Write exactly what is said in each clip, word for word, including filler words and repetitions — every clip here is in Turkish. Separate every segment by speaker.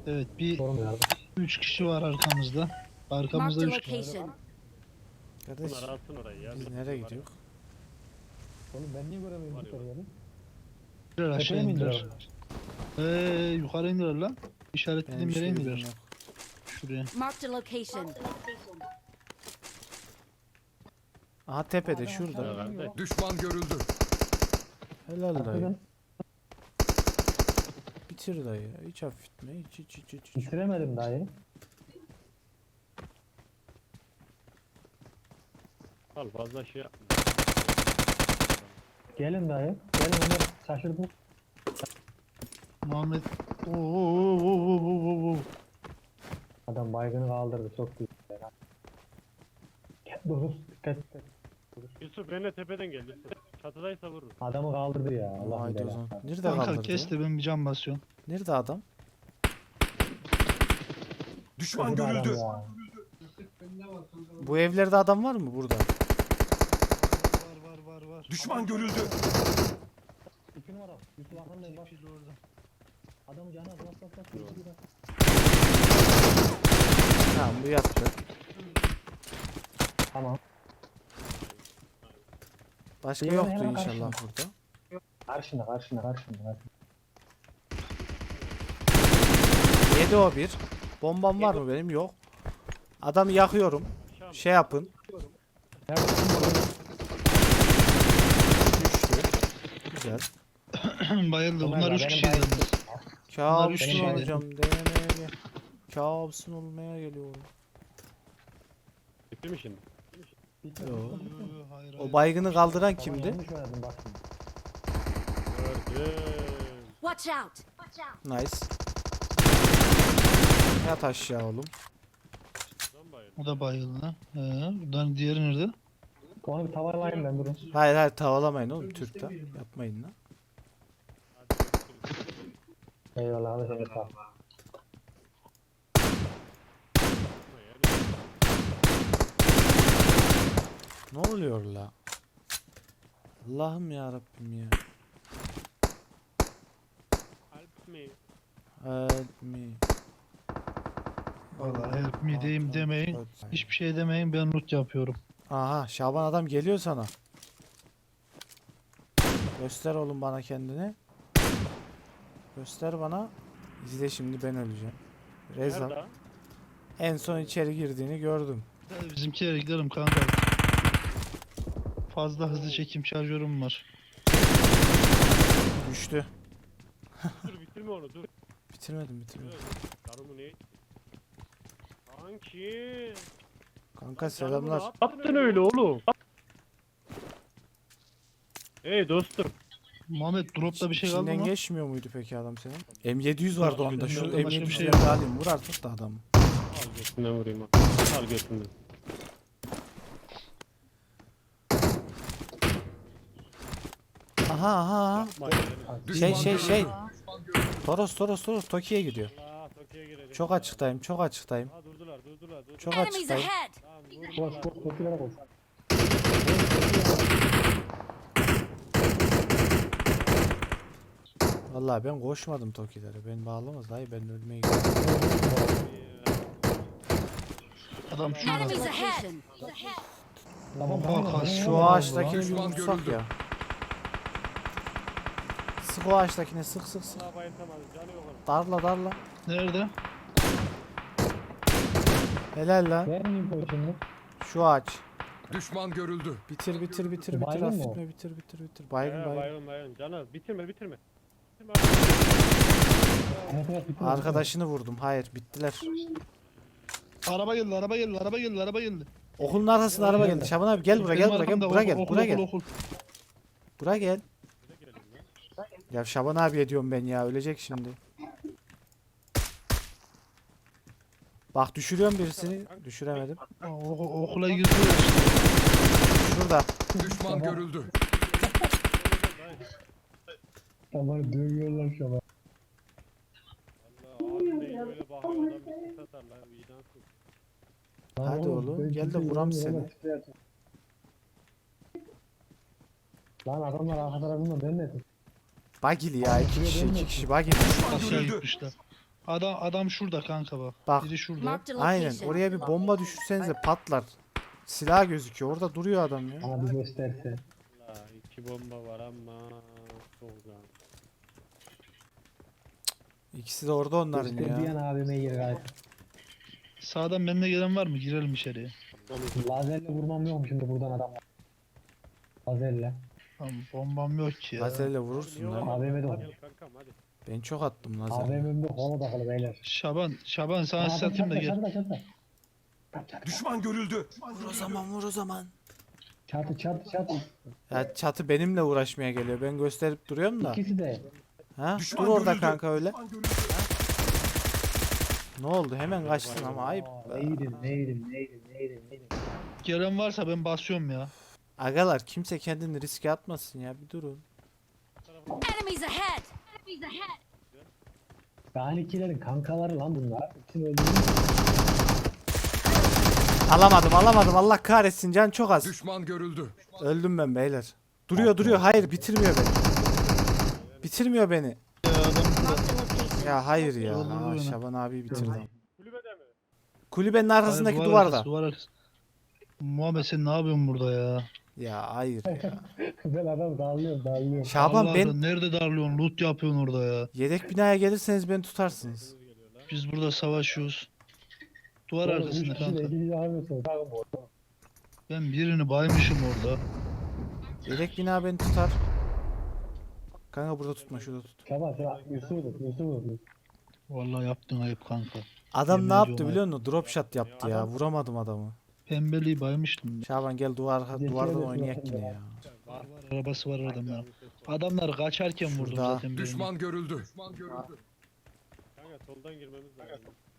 Speaker 1: Evet, bir
Speaker 2: Sorun ya.
Speaker 1: üç kişi var arkamızda. Arkamızda
Speaker 3: Marked a
Speaker 1: üç kişi.
Speaker 3: location.
Speaker 4: Kardeş
Speaker 5: Bunlar alsın orayı ya.
Speaker 4: biz
Speaker 5: Bir-
Speaker 4: nereye
Speaker 5: var ya.
Speaker 4: gidiyoruz?
Speaker 2: Oğlum ben niye göremiyorum
Speaker 5: Var
Speaker 2: bir
Speaker 5: ya,
Speaker 2: kere
Speaker 5: var.
Speaker 2: yani?
Speaker 1: İndiler, aşağı
Speaker 2: Tepeye mi
Speaker 1: indiler.
Speaker 2: indiler?
Speaker 1: Eee yukarı indiler lan.
Speaker 4: Benim
Speaker 1: İşaretlediğim
Speaker 4: hiçbir
Speaker 1: yere
Speaker 4: bilgim
Speaker 1: indiler.
Speaker 4: yok.
Speaker 1: Şuraya.
Speaker 3: Marked a location.
Speaker 4: Aha tepede
Speaker 2: Adam
Speaker 4: şurada.
Speaker 2: aşağı
Speaker 5: Evet.
Speaker 2: iniyor.
Speaker 6: Düşman görüldü.
Speaker 4: Helal dayı.
Speaker 2: Arkadan
Speaker 4: Bitir dayı. Hiç hafifletme. Hiç hiç hiç hiç. hiç.
Speaker 2: bitiremedim dayı.
Speaker 5: Al fazla şey yapma.
Speaker 2: Gelin dayı. Gelin Ömer şaşırdım.
Speaker 1: Muhammed. Oo, oo, oo, oo, oo, oo.
Speaker 2: Adam baygını kaldırdı çok güzel. Dur dikkat dikkat.
Speaker 5: Yusuf benimle tepeden gel Yusuf. Çatıdaysa vurur.
Speaker 2: Adamı kaldırdı ya. Allah
Speaker 4: Haydi o
Speaker 2: bilir.
Speaker 4: zaman. Nerede
Speaker 1: Kanka
Speaker 4: kaldırdı?
Speaker 1: kes de ben bir cam basıyorum.
Speaker 4: Nerede adam?
Speaker 6: Düşman
Speaker 2: Adam
Speaker 6: görüldü.
Speaker 2: ya.
Speaker 4: Bu evlerde adam var mı burada?
Speaker 1: Var var var var.
Speaker 6: Düşman görüldü.
Speaker 2: İki numara. Yusuf arkandayım bak.
Speaker 1: Fil orada.
Speaker 2: Adamı canı az bas bas bas. Yusuf'u bas.
Speaker 4: Tamam bu yattı.
Speaker 2: Tamam.
Speaker 4: Başka
Speaker 2: Hemen,
Speaker 4: yoktu
Speaker 2: hemen
Speaker 4: inşallah
Speaker 2: karşına.
Speaker 4: burada.
Speaker 2: Karşına karşına karşına. karşına.
Speaker 4: Yedi o bir. Bombam var mı benim? Yok. Adamı yakıyorum. Şey yapın.
Speaker 2: Nerede?
Speaker 4: Düştü. Güzel.
Speaker 1: Bayıldı.
Speaker 2: Ömer
Speaker 1: Bunlar
Speaker 2: ya,
Speaker 1: üç
Speaker 2: benim
Speaker 1: kişiydi.
Speaker 2: bayıldı.
Speaker 4: Kabus'un
Speaker 1: Benim bayıldı.
Speaker 4: olacağım. Denemeye. Kabus'un olmaya geliyorum.
Speaker 5: Bitti mi şimdi?
Speaker 2: Bitmedi.
Speaker 4: Yo.
Speaker 1: Yo, yo, hayır, hayır.
Speaker 4: O baygını kaldıran
Speaker 2: Tamam,
Speaker 4: kimdi?
Speaker 2: yanlış oynadım bak şimdi.
Speaker 5: Gördüm.
Speaker 3: Watch out.
Speaker 4: Nice. Yat aşağı oğlum.
Speaker 5: Lan bayıldı.
Speaker 1: O da bayıldı lan. He, buradan diğeri nerede?
Speaker 2: Onu bir tavalayayım ben durun.
Speaker 4: Hayır hayır tavalamayın oğlum Türk'ten. Yapmayın lan.
Speaker 5: Hadi görüşürüz.
Speaker 2: Eyvallah hadi seni sağ ol.
Speaker 4: Ne oluyor la? Allah'ım ya Rabbim ya.
Speaker 5: Alp mi?
Speaker 4: Help me.
Speaker 1: Vallahi help me diyeyim demeyin. Hiçbir şey demeyin, ben loot yapıyorum.
Speaker 4: Aha Şaban adam geliyor sana. Göster oğlum bana kendini. Göster bana. İzle şimdi ben öleceğim. Reza.
Speaker 5: Nerede?
Speaker 4: En son içeri girdiğini gördüm.
Speaker 1: Hadi bizimkilere gidelim kanka. Fazla hızlı çekim şarjörüm var.
Speaker 4: Düştü.
Speaker 5: Dur bitirme onu dur.
Speaker 4: Bitirmedim bitirmedim.
Speaker 5: Karımı ne? Kanki.
Speaker 4: Kanka
Speaker 5: Canımı ne
Speaker 4: selamlar.
Speaker 5: yaptın öyle oğlum? Hey dostum.
Speaker 1: Muhammed dropta bir şey kaldı
Speaker 4: İçinden
Speaker 1: mı?
Speaker 4: geçmiyor muydu peki adam senin? M yedi yüz vardı onda. Şu
Speaker 1: Başka
Speaker 4: M
Speaker 1: bir
Speaker 4: yedi
Speaker 1: şey
Speaker 4: yüz'den
Speaker 1: yok.
Speaker 4: alayım. Vur artık da adamı.
Speaker 5: Al götünden vurayım bak. Al götünden.
Speaker 4: Aha aha aha.
Speaker 5: Yapma ya.
Speaker 4: Şey
Speaker 6: Düşman
Speaker 4: şey
Speaker 6: görüldü.
Speaker 4: şey. Toros Toros Toros Toki'ye gidiyor.
Speaker 5: Allah Tokyo'ya girelim.
Speaker 4: Çok açıktayım çok açıktayım.
Speaker 5: Ha durdular durdular durdular.
Speaker 4: Çok
Speaker 3: Enemies
Speaker 4: açıktayım.
Speaker 3: ahead.
Speaker 5: Tamam
Speaker 2: Koş
Speaker 5: vurdular.
Speaker 2: koş kokilere koş.
Speaker 4: Vallahi ben koşmadım Toki'lere. Ben bağlamaz dayı ben ölmeye gidiyorum.
Speaker 1: Adam şurada.
Speaker 3: Enemies ahead.
Speaker 2: Tamam
Speaker 1: Bak,
Speaker 2: tamam.
Speaker 1: has-
Speaker 4: Şu ağaçtakini bir
Speaker 6: Düşman
Speaker 4: vursak
Speaker 6: görüldü.
Speaker 4: ya. Sık o ağaçtakine sık sık sık.
Speaker 5: Allah bayıltamadı canı yok onun.
Speaker 4: Darla darla.
Speaker 1: Nerede?
Speaker 4: Helal lan.
Speaker 2: Ver mi info şimdi?
Speaker 4: Şu ağaç.
Speaker 6: Düşman görüldü.
Speaker 4: Bitir bitir bitir bitir
Speaker 2: Baygın mı o?
Speaker 4: hafifletme bitir bitir bitir. Baygın
Speaker 5: He,
Speaker 4: baygın.
Speaker 5: bayılın bayılın. Canı bitirme bitirme. Bitirme.
Speaker 2: Evet evet bitti.
Speaker 4: Arkadaşını vurdum. Hayır bittiler.
Speaker 1: Araba geldi, araba geldi, araba geldi, araba geldi.
Speaker 4: Okulun arkasında araba geldi. Şaban abi gel buraya gel
Speaker 1: Benim
Speaker 4: buraya gel
Speaker 1: arkamda
Speaker 4: buraya
Speaker 1: okul,
Speaker 4: gel
Speaker 1: okul,
Speaker 4: buraya
Speaker 1: okul,
Speaker 4: gel.
Speaker 1: okul.
Speaker 4: Buraya gel.
Speaker 5: Bize girelim lan.
Speaker 4: Ya Şaban abi diyorum ben ya ölecek şimdi. Bak düşürüyorum birisini. Düşüremedim.
Speaker 1: Aa, o- okula girdiler işte.
Speaker 4: Şurada.
Speaker 6: Düşman görüldü.
Speaker 2: Tamam dövüyorlar şu an.
Speaker 5: Allah abi değil böyle bakıyor adam bir sis atar lan vicdansız.
Speaker 4: Hadi oğlum, gel de vuram seni.
Speaker 2: Lan adamlar arka tarafında ben ne?
Speaker 4: Bagili ya iki kişi iki kişi bagili.
Speaker 6: Düşman
Speaker 1: Aşağı
Speaker 6: görüldü.
Speaker 1: gitmişler. Adam adam şurada kanka bak.
Speaker 4: Bak.
Speaker 1: Biri şurada.
Speaker 3: Marked a
Speaker 4: Aynen
Speaker 3: location.
Speaker 4: oraya bir bomba düşürsenize patlar. Silah gözüküyor. Orada duruyor adam ya.
Speaker 2: Bana bir gösterse.
Speaker 5: La iki bomba var ama çok güzel.
Speaker 4: İkisi de orada onların
Speaker 2: Gösterdiğin
Speaker 4: ya.
Speaker 2: abime gir gayet.
Speaker 1: Sağdan benimle gelen var mı? Girelim içeriye.
Speaker 2: Lazerle vurmam yok mu şimdi buradan adam? Lazerle.
Speaker 1: Tamam, bombam yok ki ya.
Speaker 4: Lazerle vurursun lan.
Speaker 2: A V M'de
Speaker 5: Gel
Speaker 2: var.
Speaker 5: kankam hadi.
Speaker 4: Ben çok attım lazer.
Speaker 2: A V M'de konu takılı beyler.
Speaker 1: Şaban, Şaban sana
Speaker 2: Aa,
Speaker 1: satayım da
Speaker 2: çatla,
Speaker 1: gel.
Speaker 2: çatla, çatla. Çat, çat,
Speaker 6: Düşman görüldü.
Speaker 4: Vur o zaman vur o zaman.
Speaker 2: Çatı çatı çatı.
Speaker 4: Ya çatı benimle uğraşmaya geliyor. Ben gösterip duruyorum da.
Speaker 2: İkisi de.
Speaker 4: Ha?
Speaker 6: Düşman
Speaker 4: Dur orada
Speaker 6: görüldü.
Speaker 4: kanka öyle.
Speaker 6: Düşman görüldü.
Speaker 4: Ne oldu? Hemen kaçtın ama ayıp.
Speaker 2: Aa, Neydim neydim neydim neydim neydim.
Speaker 1: Gelen varsa ben basıyorum ya.
Speaker 4: Agalar kimse kendini riske atmasın ya. Bir durun.
Speaker 3: Enemies ahead! Enemies ahead!
Speaker 2: Danikilerin kankaları lan bunlar. İkisini öldürdüm.
Speaker 4: Alamadım alamadım. Allah kahretsin. Can çok az.
Speaker 6: Düşman görüldü.
Speaker 4: Öldüm ben beyler. Duruyor duruyor. Hayır bitirmiyor beni. Bitirmiyor beni.
Speaker 1: Ya adam burada.
Speaker 3: Marked a location.
Speaker 4: Ya hayır ya.
Speaker 1: Öldürdü
Speaker 4: Aa,
Speaker 1: beni.
Speaker 4: Şaban abi bitirdi.
Speaker 5: Kulübede mi?
Speaker 4: Kulübenin arkasındaki
Speaker 1: Hayır,
Speaker 4: duvarda.
Speaker 1: arkası, duvar arkası. Muhammed sen ne yapıyorsun burada ya?
Speaker 4: Ya hayır ya.
Speaker 2: Ben adam dağılıyorum dağılıyorum.
Speaker 4: Şaban
Speaker 1: Allah
Speaker 4: ben
Speaker 1: Allah, nerede darlıyorsun? Loot yapıyorsun orada ya.
Speaker 4: yedek binaya gelirseniz beni tutarsınız.
Speaker 1: Biz burada savaşıyoruz. Duvar
Speaker 2: Oğlum, üç
Speaker 1: arkasında
Speaker 2: kişi de
Speaker 1: kanka.
Speaker 2: iki kişi almıyorsun. Takım bu.
Speaker 1: Ben birini baymışım orada.
Speaker 4: Yedek bina beni tutar. Kanka burada tutma şurada tut.
Speaker 2: Şaban sen Yusuf'u tut Yusuf'u tut.
Speaker 1: Vallahi yaptın ayıp kanka.
Speaker 4: Adam
Speaker 1: Yemin
Speaker 4: ne yaptı
Speaker 1: ediyorum
Speaker 4: biliyor musun? Drop shot yaptı ya. Vuramadım adamı.
Speaker 1: Pembeliği baymıştım.
Speaker 4: Şaban gel duvar
Speaker 2: Geçelim
Speaker 4: duvardan
Speaker 2: ya.
Speaker 4: oynayak yine ya.
Speaker 1: Var var arabası var adamlar. Adamlar kaçarken vurdum
Speaker 4: Şurada.
Speaker 1: zaten birini.
Speaker 6: Düşman görüldü. Düşman görüldü.
Speaker 5: Kanka soldan girmemiz lazım.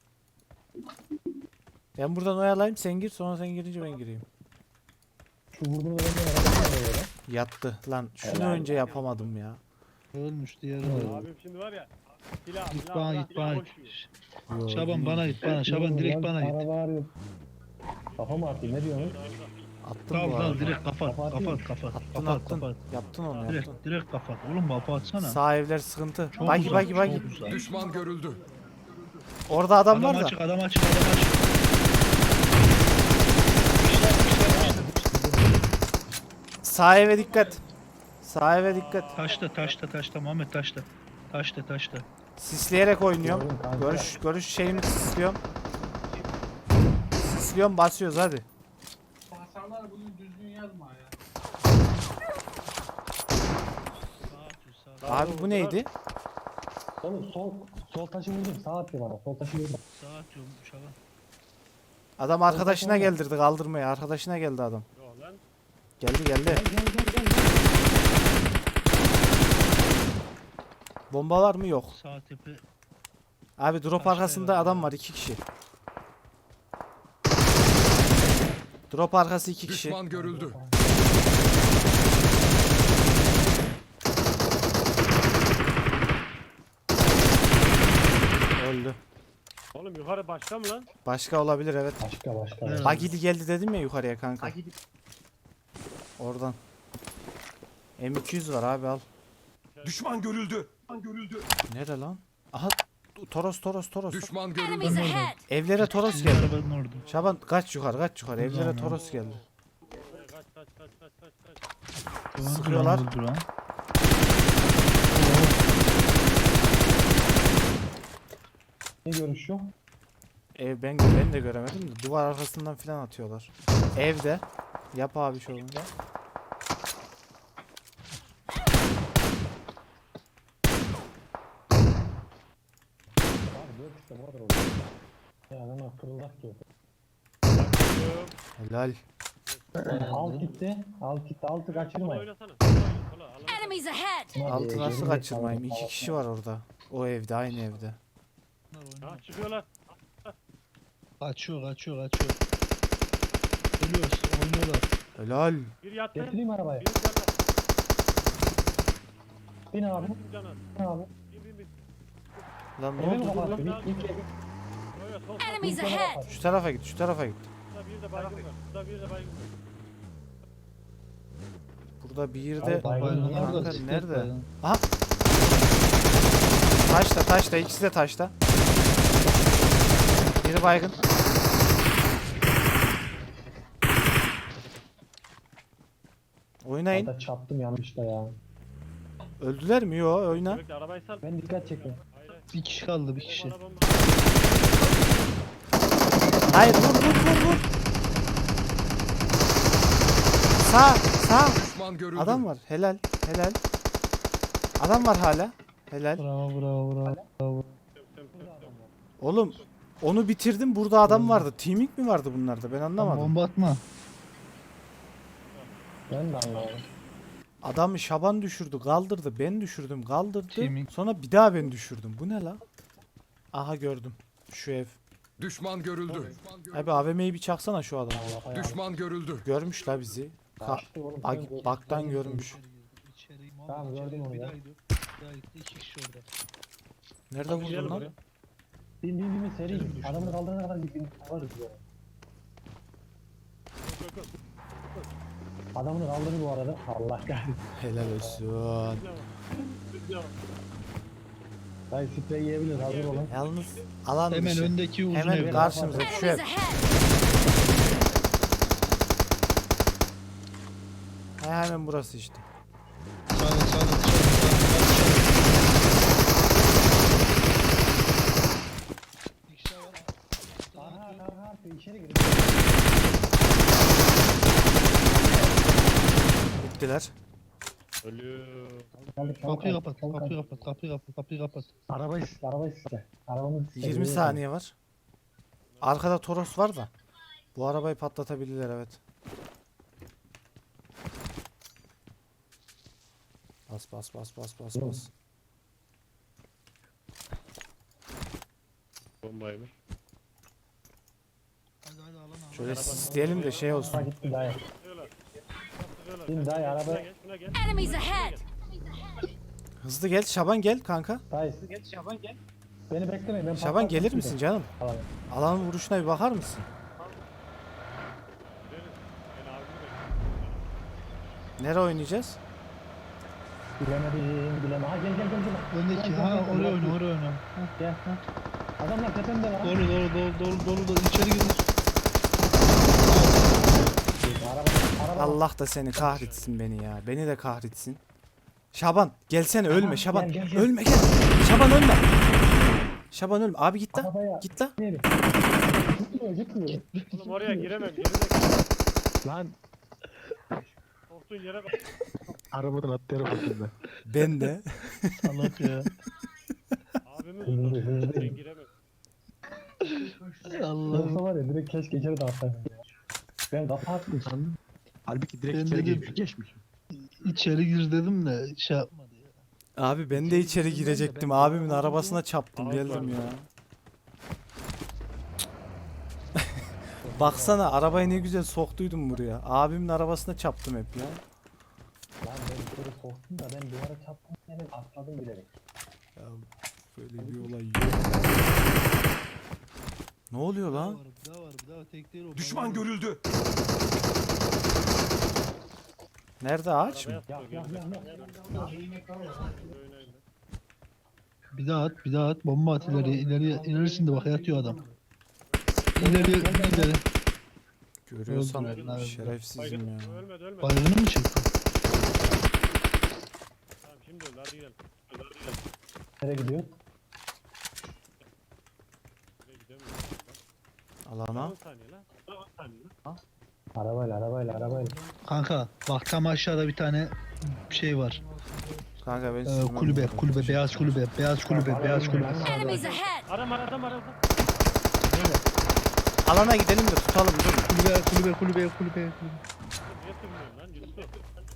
Speaker 4: Ben buradan oyalayayım sen gir sonra sen girince ben gireyim.
Speaker 2: Şu vurduğunu da ben arabasına böyle.
Speaker 4: Yattı lan. Şunu önce yapamadım ya.
Speaker 1: Ölmüş diğeri de.
Speaker 5: Abim şimdi var ya. Silah,
Speaker 1: Git
Speaker 5: silah,
Speaker 1: bana
Speaker 5: silah,
Speaker 1: git bana
Speaker 5: silah
Speaker 1: git.
Speaker 5: boş yiyor.
Speaker 1: Şaban bana git bana. Şaban direkt bana git.
Speaker 2: Araba arıyor. Kafa mı atayım ne diyorsun?
Speaker 4: Attım
Speaker 1: Tamam
Speaker 4: bu
Speaker 1: tamam
Speaker 4: arada.
Speaker 1: direkt kapat
Speaker 2: Kafa atayım
Speaker 1: kapat kapat
Speaker 4: Attın
Speaker 1: kapat
Speaker 4: attın.
Speaker 1: kapat.
Speaker 4: Yaptın onu
Speaker 1: Direkt
Speaker 4: yaptın.
Speaker 1: direkt kapat. Oğlum kafa atsana.
Speaker 4: Sağ evler sıkıntı.
Speaker 1: Çok
Speaker 4: Bagi
Speaker 1: uzak,
Speaker 4: bagi
Speaker 1: çok
Speaker 4: bagi.
Speaker 1: uzak.
Speaker 6: Düşman görüldü.
Speaker 4: Orada adam
Speaker 1: Adam
Speaker 4: var da.
Speaker 1: açık adam açık adam açık.
Speaker 4: Sağ eve dikkat. Sağ eve dikkat.
Speaker 1: Taşta taşta taşta Muhammed taşta. Taşta taşta.
Speaker 4: Sisleyerek oynuyorum.
Speaker 2: Gördüm kanka.
Speaker 4: Görüş görüş şeyimi sisliyorum. Sisliyorum basıyoruz hadi. Abi bu neydi?
Speaker 2: Oğlum sol sol taşı vurdum sağ atıyor bana sol taşı vurdum.
Speaker 1: Sağa atıyorum Şaban.
Speaker 4: Adam arkadaşına geldirdi kaldırmaya. Arkadaşına geldi adam.
Speaker 5: Yok lan.
Speaker 4: Geldi geldi.
Speaker 2: Gel gel gel gel.
Speaker 4: Bomba var mı? Yok.
Speaker 1: Sağ tepe.
Speaker 4: Abi drop
Speaker 1: Taşta
Speaker 4: arkasında
Speaker 1: ya.
Speaker 4: adam var iki kişi. Drop arkası iki kişi.
Speaker 6: Düşman görüldü.
Speaker 4: Öldü.
Speaker 5: Oğlum yukarı başka mı lan?
Speaker 4: Başka olabilir evet.
Speaker 2: Başka başka.
Speaker 1: Evet.
Speaker 4: Bagidi geldi dedim ya yukarıya kanka. Oradan. M iki yüz var abi al.
Speaker 6: Düşman görüldü. Düşman görüldü.
Speaker 4: Nere lan? Aha Toros Toros Toros.
Speaker 6: Düşman görüldü.
Speaker 3: Enemies ahead!
Speaker 4: Evlere Toros
Speaker 1: Sizin
Speaker 4: geldi.
Speaker 1: arabanın orada.
Speaker 4: Şaban kaç yukarı kaç yukarı evlere
Speaker 1: Tamam.
Speaker 4: Toros geldi.
Speaker 5: Kaç kaç kaç kaç kaç kaç.
Speaker 1: Duran,
Speaker 4: Sıkıyorlar.
Speaker 1: duran, duran.
Speaker 2: Ne görüşüyor?
Speaker 4: Ev ben ben de göremedim de duvar arkasından filan atıyorlar. Evde. Yap abi şovunu.
Speaker 2: Abi dört işte bu kadar oldu. Ya adamlar kırıldak ki.
Speaker 4: Helal.
Speaker 2: Alt gitti. Alt gitti. Altı
Speaker 5: Sola
Speaker 2: kaçırmayın.
Speaker 5: oynasana. Sola oyna, sola. Allah'ım.
Speaker 3: Enemies ahead!
Speaker 4: Altı nasıl
Speaker 2: Geride
Speaker 4: kaçırmayayım?
Speaker 2: kaldı.
Speaker 4: İki kişi var orada. O evde aynı evde.
Speaker 5: Ha çıkıyorlar.
Speaker 1: Kaçıyor kaçıyor kaçıyor. Ölüyoruz oynuyorlar.
Speaker 4: Helal.
Speaker 5: Bir yattı.
Speaker 2: Getireyim arabayı.
Speaker 5: Bir canı.
Speaker 2: Bin abi.
Speaker 5: Bir canı.
Speaker 2: Bin abi.
Speaker 5: Bir bir bir.
Speaker 4: Lan ne
Speaker 2: Eve mi
Speaker 4: oldu?
Speaker 2: kapattı? Bir, bir, bir,
Speaker 5: Yo, yo, sol, sol.
Speaker 3: Enemies
Speaker 2: bir,
Speaker 3: ahead!
Speaker 4: Şu tarafa git şu tarafa git.
Speaker 5: Burada bir de baygın var. Burada bir de baygın var.
Speaker 4: Burada bir
Speaker 2: Abi
Speaker 4: de
Speaker 2: baygın
Speaker 1: Baygınlar da
Speaker 4: kanka
Speaker 1: siklet
Speaker 4: nerede?
Speaker 1: baygın.
Speaker 4: Aha Taşta taşta ikisi de taşta. Biri baygın. Oynayın.
Speaker 2: Hatta çarptım yanlışla ya.
Speaker 4: Öldüler mi? Yo oyna.
Speaker 5: Bekle arabayı sal.
Speaker 2: Ben dikkat çekiyorum.
Speaker 5: Hayır, hayır.
Speaker 1: Bir kişi kaldı bir kişi.
Speaker 5: Bomba, bomba.
Speaker 4: Hayır vur vur vur vur. Sağ sağ.
Speaker 6: Düşman görüldü.
Speaker 4: Adam var. Helal helal. Adam var hala. Helal.
Speaker 1: Bravo bravo bravo. bravo.
Speaker 5: Tem, tem, tem, tem.
Speaker 4: Oğlum onu bitirdim. Burada adam vardı. Teaming mi vardı bunlarda? Ben anlamadım.
Speaker 1: Bomba atma.
Speaker 2: Ben de anlamadım.
Speaker 4: Adamı Şaban düşürdü, kaldırdı. Ben düşürdüm, kaldırdı.
Speaker 1: Teaming.
Speaker 4: Sonra bir daha ben düşürdüm. Bu ne la? Aha gördüm. Şu ev.
Speaker 6: Düşman görüldü.
Speaker 4: Abi A V M'yi bir çaksana şu adamı.
Speaker 2: Allah'a ya.
Speaker 6: Düşman görüldü.
Speaker 4: Görmüş la bizi. Ka
Speaker 2: Kaçtı oğlum.
Speaker 4: bak
Speaker 2: sen-
Speaker 4: baktan görmüş.
Speaker 1: İçeri,
Speaker 2: Tamam,
Speaker 1: içeri
Speaker 2: gördüm onu
Speaker 1: bir
Speaker 2: ya.
Speaker 1: daha gidiyor. Bir daha gitti iki kişi orada.
Speaker 4: Nerede vurdun
Speaker 5: Gidelim
Speaker 4: lan?
Speaker 5: oraya.
Speaker 2: Bin bin bin seri. Adamı kaldırana kadar bir bin varız ya.
Speaker 5: Yok, yok, yok.
Speaker 2: Adamını kaldırdı bu arada. Allah kahretsin.
Speaker 4: Helal olsun.
Speaker 5: Devam. Devam.
Speaker 2: Hayır sprey yiyebilir hazır olun.
Speaker 4: Yalnız alan
Speaker 1: Hemen
Speaker 4: dışı.
Speaker 1: öndeki uzun
Speaker 4: Hemen
Speaker 1: ev.
Speaker 4: karşımıza şu ev.
Speaker 3: Enemies ahead!
Speaker 4: He, hemen burası işte.
Speaker 1: Sağda sağda sağda. Bir kişi daha var.
Speaker 2: Aha aha aha içeri girin.
Speaker 4: Bittiler.
Speaker 5: Ölüyor.
Speaker 2: Geldik,
Speaker 1: Kapıyı
Speaker 2: çabuk,
Speaker 1: kapat,
Speaker 2: çabuk,
Speaker 1: kapıyı
Speaker 2: çabuk.
Speaker 1: kapat, kapıyı kapat, kapıyı kapat.
Speaker 2: Arabayı sil, arabayı sil. Arabamızı sil.
Speaker 4: yirmi saniye var. Arkada Toros var da. Bu arabayı patlatabilirler evet. Bas bas bas bas bas bas.
Speaker 5: Bombayı mı?
Speaker 1: Hadi hadi alan al.
Speaker 4: Şöyle isteyelim de şey
Speaker 2: Araba
Speaker 4: olsun.
Speaker 2: gitti dayı.
Speaker 5: Sıkıyorlar. Sıkıyorlar.
Speaker 2: Bin dayı
Speaker 5: Şuna
Speaker 2: araba.
Speaker 5: gel, şuna gel.
Speaker 3: Enemies ahead!
Speaker 4: Hızlı gel Şaban gel kanka.
Speaker 2: Dayı. Gel Şaban gel. Beni beklemeyin ben
Speaker 4: Şaban
Speaker 2: patlatacağım
Speaker 4: gelir
Speaker 2: sizi.
Speaker 4: misin canım?
Speaker 2: Tamam.
Speaker 4: Alanın vuruşuna bir bakar mısın?
Speaker 5: Verin. Ben abimi bekliyorum.
Speaker 4: Nereye oynayacağız?
Speaker 2: Bilemedim bilemem. Ha gel gel gel gel.
Speaker 1: Öndeki,
Speaker 2: Gel,
Speaker 1: ha
Speaker 2: gel, gel,
Speaker 1: oraya
Speaker 2: gel.
Speaker 1: oyna, oraya oyna.
Speaker 2: Gel. Ha. Adamlar tepemde var.
Speaker 1: Dolu dolu dolu dolu dolu dolu içeri gir.
Speaker 2: Araba, araba.
Speaker 4: Allah da seni kahretsin beni ya. Beni de kahretsin. Şaban gelsene ölme Şaban.
Speaker 2: gel, gel, gel.
Speaker 4: Ölme gel. Şaban ölme. Şaban ölme. Abi git la.
Speaker 2: Arabaya.
Speaker 4: Git la.
Speaker 2: Gel. Gitmiyor gitmiyor.
Speaker 5: Oğlum oraya giremem. Gerizekalı.
Speaker 7: Lan
Speaker 5: Korktuğun yere bak.
Speaker 7: arabadan atlayarak bakayım ben.
Speaker 4: Ben de.
Speaker 1: Salak ya.
Speaker 5: Abimi
Speaker 2: Hızlı,
Speaker 5: tutar.
Speaker 2: hızlı.
Speaker 5: Ben giremem.
Speaker 1: Allah'ım.
Speaker 2: Yoksa var ya direkt keşke içeri de atsaydım ya. Ben kafa attım sandım.
Speaker 7: Halbuki direkt
Speaker 1: Ben
Speaker 7: içeri
Speaker 1: dedim-
Speaker 7: girmiş, geçmiş.
Speaker 1: İçeri gir dedim de şey yapmadı ya.
Speaker 4: Abi ben de içeri girecektim. Abimin arabasına çaptım
Speaker 5: Abi
Speaker 4: geldim
Speaker 5: var.
Speaker 4: ya. Baksana arabayı ne güzel soktuydum buraya. Abimin arabasına çaptım hep ya.
Speaker 2: Lan ben içeri soktum da ben duvara çarptım yani atladım bilerek.
Speaker 4: Ya böyle bir olay yok. Ne oluyor
Speaker 1: Bir daha
Speaker 4: lan?
Speaker 1: var, bir daha var, bir daha tek değil o.
Speaker 6: Düşman görüldü.
Speaker 4: Nerede ağaç mı?
Speaker 5: Arabaya
Speaker 2: Ya
Speaker 5: sıkıyor,
Speaker 2: ya ya
Speaker 5: gerizekalı.
Speaker 2: ya.
Speaker 5: Oynayın.
Speaker 1: Bir daha at, bir daha at. Bomba at ileriye, ileriye, ilerisinde bak yatıyor adam. İleriye, ileri.
Speaker 4: Görüyorsan
Speaker 1: Öldüler.
Speaker 4: şerefsizim
Speaker 5: Baygın.
Speaker 4: ya.
Speaker 5: Ölmedi ölmedi.
Speaker 1: Bayrağını mı çektin?
Speaker 5: Tamam şimdi öldü hadi gidelim. Hadi gidelim.
Speaker 2: Nereye gidiyor?
Speaker 5: Buraya gidemiyoruz.
Speaker 4: Alana.
Speaker 5: on saniye lan. on saniye lan.
Speaker 2: Arabayla arabayla arabayla.
Speaker 1: Kanka bak tam aşağıda bir tane şey var.
Speaker 4: Kanka ben
Speaker 1: Ee,
Speaker 4: sürmem
Speaker 1: kulübe,
Speaker 4: lazım.
Speaker 1: kulübe, beyaz kulübe, beyaz kulübe, beyaz kulübe.
Speaker 3: Enemies ahead!
Speaker 5: Adam adam adam.
Speaker 4: Alana gidelim de tutalım dur.
Speaker 1: Kulübe, kulübe, kulübe, kulübe, kulübe.
Speaker 5: Niye sürmüyorsun lan? Yusuf.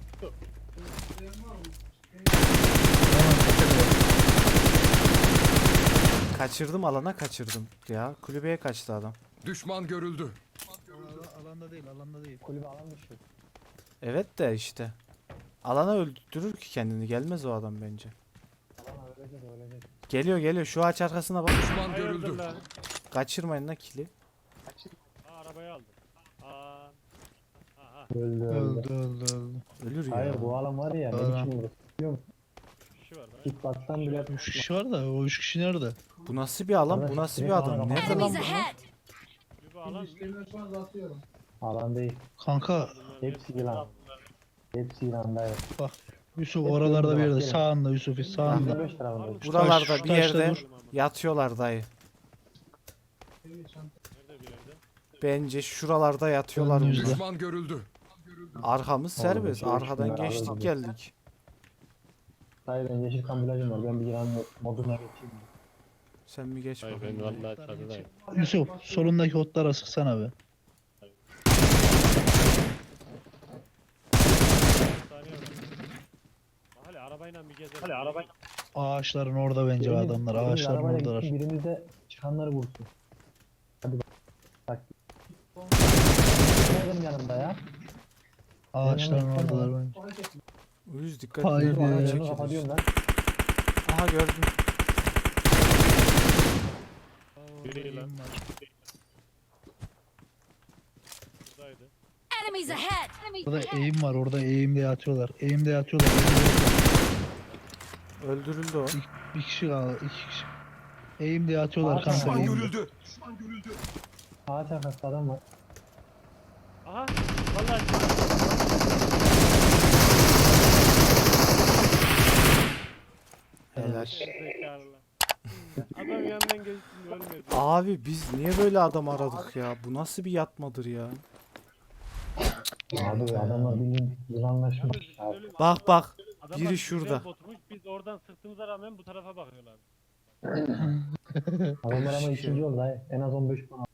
Speaker 4: Kaçırdım alana kaçırdım. Ya kulübeye kaçtı adam.
Speaker 6: Düşman görüldü.
Speaker 1: Alanda, alanda değil, alanda değil.
Speaker 2: Kulübe alan dışı.
Speaker 4: Evet de işte. Alana öldürür ki kendini. Gelmez o adam bence.
Speaker 2: Alan ölecek ölecek.
Speaker 4: Geliyor geliyor. Şu ağaç arkasına bak.
Speaker 6: Düşman
Speaker 5: Hayırdır
Speaker 6: görüldü.
Speaker 5: lan?
Speaker 4: Kaçırmayın la kili.
Speaker 5: Aa arabayı aldım. Aa. Aha.
Speaker 2: Öldü öldü.
Speaker 1: Öldü, öldü, öldü.
Speaker 4: Ölür ya.
Speaker 2: Hayır bu alan var ya ne
Speaker 1: Aa.
Speaker 2: biçim vurur. Biliyor musun?
Speaker 5: Bir kişi var.
Speaker 2: Git baksan bile
Speaker 1: Üç kişi var da o üç kişi nerede?
Speaker 4: Bu nasıl bir alan? Bu nasıl bir adam? Nerede lan
Speaker 3: Enemies
Speaker 4: bu?
Speaker 3: ahead!
Speaker 5: Bir alan.
Speaker 2: alan değil.
Speaker 1: Kanka
Speaker 2: Hepsi yılan. Hepsi yılan dayı.
Speaker 1: Yusuf oralarda bir yerde sağında Yusuf sağında.
Speaker 2: yirmi beş tarafında.
Speaker 4: Buralarda
Speaker 1: Taş-
Speaker 4: bir
Speaker 1: taşta
Speaker 4: yerde
Speaker 1: dur.
Speaker 4: yatıyorlar dayı.
Speaker 5: Nerede bir yerde?
Speaker 4: Bence şuralarda yatıyorlar
Speaker 1: Önümüzde.
Speaker 4: bunlar.
Speaker 6: Düşman görüldü.
Speaker 4: Arkamız serbest.
Speaker 2: şey
Speaker 4: Arkadan
Speaker 2: içinde
Speaker 4: geçtik
Speaker 2: abi.
Speaker 4: geldik.
Speaker 2: Dayı ben yeşil kamuflajım var. Ben bir yılan moduna geçeyim.
Speaker 4: Sen mi geç
Speaker 5: Hayır
Speaker 4: bakalım.
Speaker 5: ben vallahi çatıdayım.
Speaker 1: Yusuf solundaki otlara sıksana be.
Speaker 5: Saniye var. Hadi arabayla bir gezelim. Hadi arabayla.
Speaker 1: Ağaçların orada bence
Speaker 2: Birimiz-
Speaker 1: adamlar.
Speaker 2: birimiz
Speaker 1: Ağaçların
Speaker 2: arabayla
Speaker 1: oradalar.
Speaker 2: gitsin, birimiz de çıkanları vursun. Hadi bak. Bak. Benim yanımda ya.
Speaker 1: Ağaçların
Speaker 2: Yanına gitsene.
Speaker 1: oradalar bence.
Speaker 4: Uyuz dikkat
Speaker 1: Haydi.
Speaker 4: edin.
Speaker 1: Ee,
Speaker 2: Yanını
Speaker 4: Çekiliz.
Speaker 2: kapatıyorum ben.
Speaker 4: Aha gördüm.
Speaker 5: Biri lan. Buradaydı.
Speaker 3: Enemies ahead! Enemies
Speaker 1: Orada
Speaker 3: ahead!
Speaker 1: eğim var. Orada eğimde yatıyorlar. Eğimde yatıyorlar.
Speaker 4: Öldürüldü o.
Speaker 1: Bir kişi kaldı. iki kişi. Eğimde yatıyorlar
Speaker 2: Ağaç
Speaker 1: kanka.
Speaker 6: Düşman
Speaker 1: Eğimde.
Speaker 6: görüldü.
Speaker 2: Ağaç arkası adam var.
Speaker 5: Aha. Vallahi
Speaker 4: Helal.
Speaker 5: zekalı. Adam yanından geçti ölmedi.
Speaker 4: Abi biz niye böyle adam aradık ya? Bu nasıl bir yatmadır ya?
Speaker 2: Abi adamlar bildiğin yılanlaşmış.
Speaker 5: Yalnız
Speaker 2: Abi.
Speaker 5: öyle-
Speaker 4: Bak bak.
Speaker 5: Adamlar
Speaker 4: biri
Speaker 5: güzel
Speaker 4: şurada.
Speaker 5: botmuş, biz oradan sırtımıza rağmen bu tarafa bakıyorlar.
Speaker 2: Adamlar ama ikinci oldu dayı. En az on beş puan.